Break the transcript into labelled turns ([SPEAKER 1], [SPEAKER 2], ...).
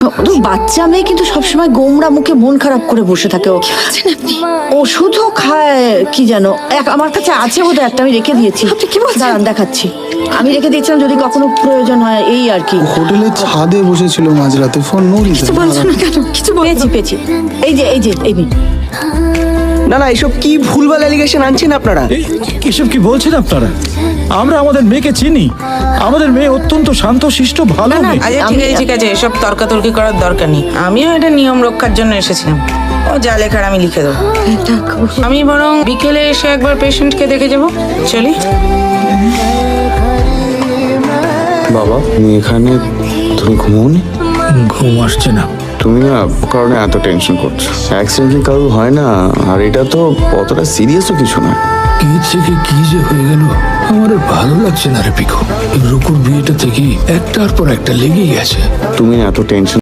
[SPEAKER 1] তো বাচ্চা মেয়ে কিন্তু সবসময় গোমরা মুখে মন খারাপ করে বসে থাকে। ও ওষুধও খায় কি জানো, আমার কাছে আছে বোধহয় একটা, আমি রেখে দিয়েছি।
[SPEAKER 2] কি বলছেন?
[SPEAKER 1] দাঁড়ান দেখাচ্ছি, আমি রেখে দিয়েছিলাম যদি কখনো প্রয়োজন হয়, এই আর কি।
[SPEAKER 3] হোটেলের ছাদে বসেছিল মাঝরাতে, ফোন নড়িয়েছে।
[SPEAKER 2] কিছু বলছো না কেন? কিছু
[SPEAKER 1] পেয়েছি পেয়েছি, এই যে এই মেয়ে।
[SPEAKER 4] না না, এসব কি ভুলভাল অ্যালিগেশন আনছেন আপনারা?
[SPEAKER 5] এসব কি বলছেন আপনারা? আমরা আমাদের মেয়েকে চিনি, আমাদের মেয়ে অত্যন্ত শান্ত শিষ্ট ভালো মেয়ে।
[SPEAKER 6] আচ্ছা ঠিক আছে, এসব তর্কাতর্কি করার দরকার নেই। আমিও এটা নিয়ম রক্ষার জন্য এসেছিলাম। ও যা লেখার আমি লিখে দেবো। আমি বরং বিকেলে এসে একবার পেশেন্টকে দেখে যাব। চলি।
[SPEAKER 7] বাবা তুমি এখানে, তুমি ঘুমোনি?
[SPEAKER 5] ঘুম আসছে না।
[SPEAKER 7] তুমি না কারণে এত টেনশন করছো। অ্যাক্সিডেন্ট কারো হয় না, আর এটা তো অতটা সিরিয়াসও কিছু না।
[SPEAKER 8] কি থেকে কি যে হয়ে গেল আমার আর ভালো লাগছে না রে পিকু। রুকুর বিয়েটা থেকে একটার পর একটা লেগেই গেছে।
[SPEAKER 7] তুমি এত টেনশন